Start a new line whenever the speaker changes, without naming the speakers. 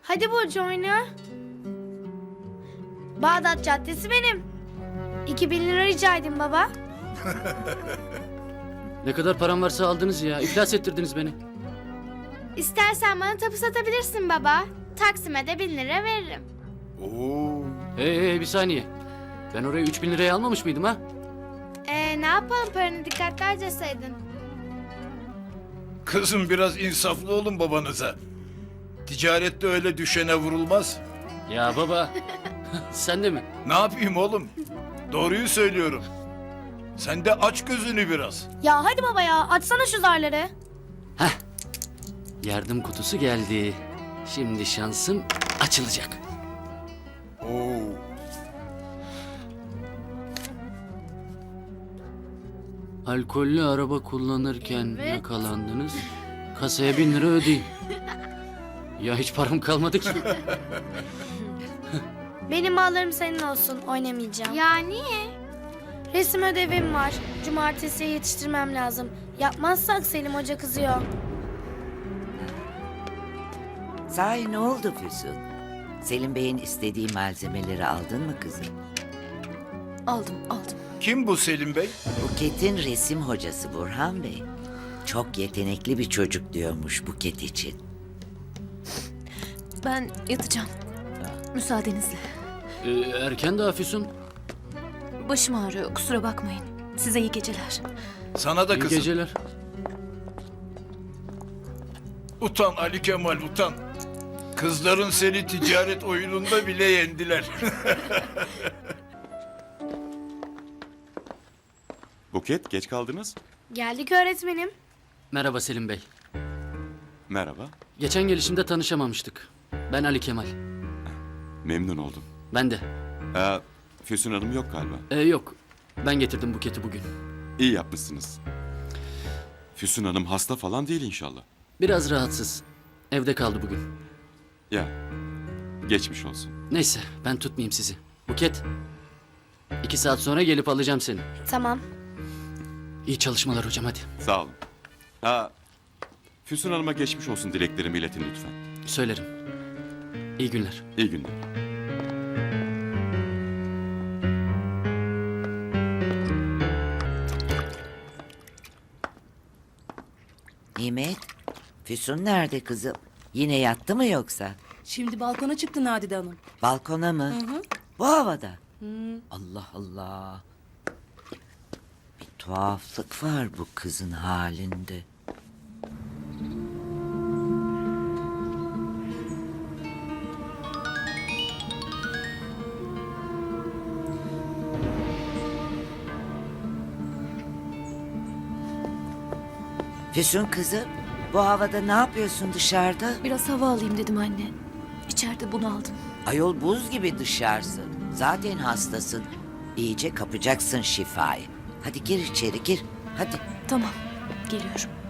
Hadi Burcu oyna. Bağdat Caddesi benim. 2000 lira rica edin baba.
Ne kadar param varsa aldınız ya. İflas ettirdiniz beni.
İstersen bana tapu satabilirsin baba. Taksime de 1000 lira veririm.
Oo.
Hey bir saniye. Ben oraya 3000 liraya almamış mıydım ha?
Ne yapalım, paranı dikkatli harcasaydın.
Kızım biraz insaflı olun babanıza. Ticarette öyle düşene vurulmaz.
Ya baba. Sen de mi?
Ne yapayım oğlum? Doğruyu söylüyorum. Sen de aç gözünü biraz.
Ya hadi baba ya, açsana şu zarları.
Yardım kutusu geldi. Şimdi şansım açılacak.
Oo.
Alkollü araba kullanırken yakalandınız. Kasaya 1000 lira ödeyin. Ya hiç param kalmadı ki.
Benim mallarım senin olsun, oynamayacağım. Ya niye? Resim ödevim var. Cumartesiye yetiştirmem lazım. Yapmazsak Selim Hoca kızıyor.
Sahi ne oldu Füsun? Selim Bey'in istediği malzemeleri aldın mı kızım?
Aldım.
Kim bu Selim Bey?
Buket'in resim hocası Burhan Bey. Çok yetenekli bir çocuk diyormuş Buket için.
Ben yatacağım. Müsaadenizle.
Erken daha Füsun.
Başım ağrıyor, kusura bakmayın. Size iyi geceler.
Sana da
İyi
kızım.
geceler.
Utan Ali Kemal utan. Kızların seni ticaret oyununda bile yendiler.
Buket, geç kaldınız.
Geldik öğretmenim.
Merhaba Selim Bey.
Merhaba,
Geçen gelişimde tanışamamıştık. Ben Ali Kemal.
memnun oldum.
Ben de.
Füsun Hanım yok galiba.
Yok. Ben getirdim buketi bugün.
İyi yapmışsınız. Füsun Hanım hasta falan değil inşallah.
Biraz rahatsız. Evde kaldı bugün.
Ya, geçmiş olsun.
Neyse ben tutmayayım sizi. Buket. 2 saat sonra gelip alacağım seni.
Tamam.
İyi çalışmalar hocam hadi.
Sağ olun. Füsun Hanım'a geçmiş olsun dileklerimi iletin lütfen.
Söylerim. İyi günler.
İyi günler.
Nimet, Füsun nerede kızım? Yine yattı mı yoksa?
Şimdi balkona çıktı Nadide Hanım.
Balkona mı? Bu havada. Allah Allah. Bir tuhaflık var bu kızın halinde. Füsun kızım, bu havada ne yapıyorsun dışarıda?
Biraz hava alayım dedim anne. İçeride bunu aldım.
Ayol buz gibi dışarısı. Zaten hastasın. İyice kapacaksın şifayı. Hadi gir içeri gir. Hadi.
Tamam, geliyorum.